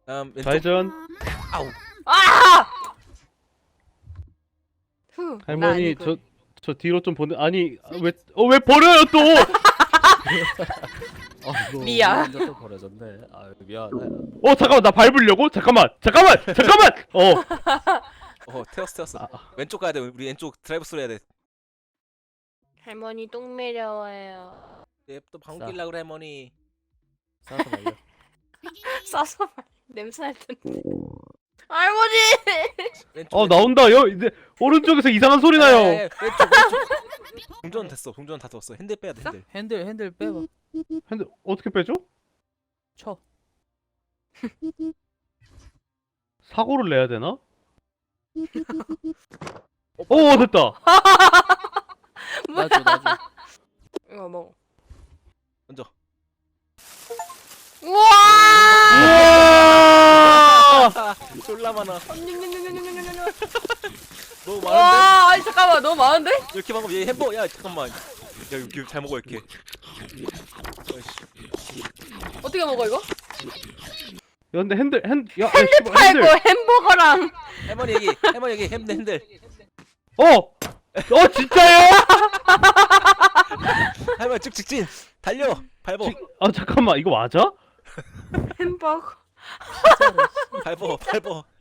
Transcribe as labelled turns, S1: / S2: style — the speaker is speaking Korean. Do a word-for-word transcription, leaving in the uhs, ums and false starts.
S1: 다음 왼쪽.
S2: 좌회전.
S1: 아우.
S3: 아! 후, 나
S2: 할머니
S3: 아니군.
S2: 저 저 뒤로 좀 보내. 아니 왜 어 왜 버려요 또?
S4: 아이고,
S3: 미안.
S4: 먼저 또 버려졌네. 아 미안해.
S2: 어 잠깐만 나 밟으려고? 잠깐만 잠깐만 잠깐만. 어.
S1: 어 태웠어 태웠어.
S2: 아, 아.
S1: 왼쪽 가야 돼. 우리 왼쪽 드라이브 스루 해야 돼.
S3: 할머니 똥 매려워요.
S1: 얘또 방귀 낄라 그래 할머니.
S4: 싸서 말려.
S3: 싸서 말 냄새 날 텐데. 할머니!
S1: 왼쪽.
S2: 어
S1: 왼쪽.
S2: 나온다. 여 이제 오른쪽에서 이상한 소리 나요.
S1: 에, 에, 왼쪽 왼쪽. 동전 됐어. 동전 다 됐어. 핸들 빼야 돼 핸들.
S4: 핸들 핸들 빼봐.
S2: 근데 어떻게 빼죠?
S4: 쳐.
S2: 사고를 내야 되나? 오 됐다.
S4: 나줘 나줘.
S3: 이거 먹어.
S1: 먼저.
S3: 우와!
S2: 우와!
S1: 졸라 많아. 너무 많은데?
S3: 와, 아니 잠깐만, 너무 많은데?
S1: 이렇게 방금 얘 햄버거. 야 잠깐만. 야 이거 잘 먹어 이렇게. 어이씨.
S3: 어떻게 먹어 이거?
S2: 야 근데 핸들 핸 야, 야,
S3: 핸들
S2: 씨발,
S3: 팔고 햄버거랑
S1: 할머니 여기. 할머니 여기 햄 핸들.
S2: 어! 어 진짜요?
S1: 할머니 쭉 직진. 달려. 밟어.
S2: 아 잠깐만 이거 맞아?
S3: 햄버거.
S1: 밟어. 밟어.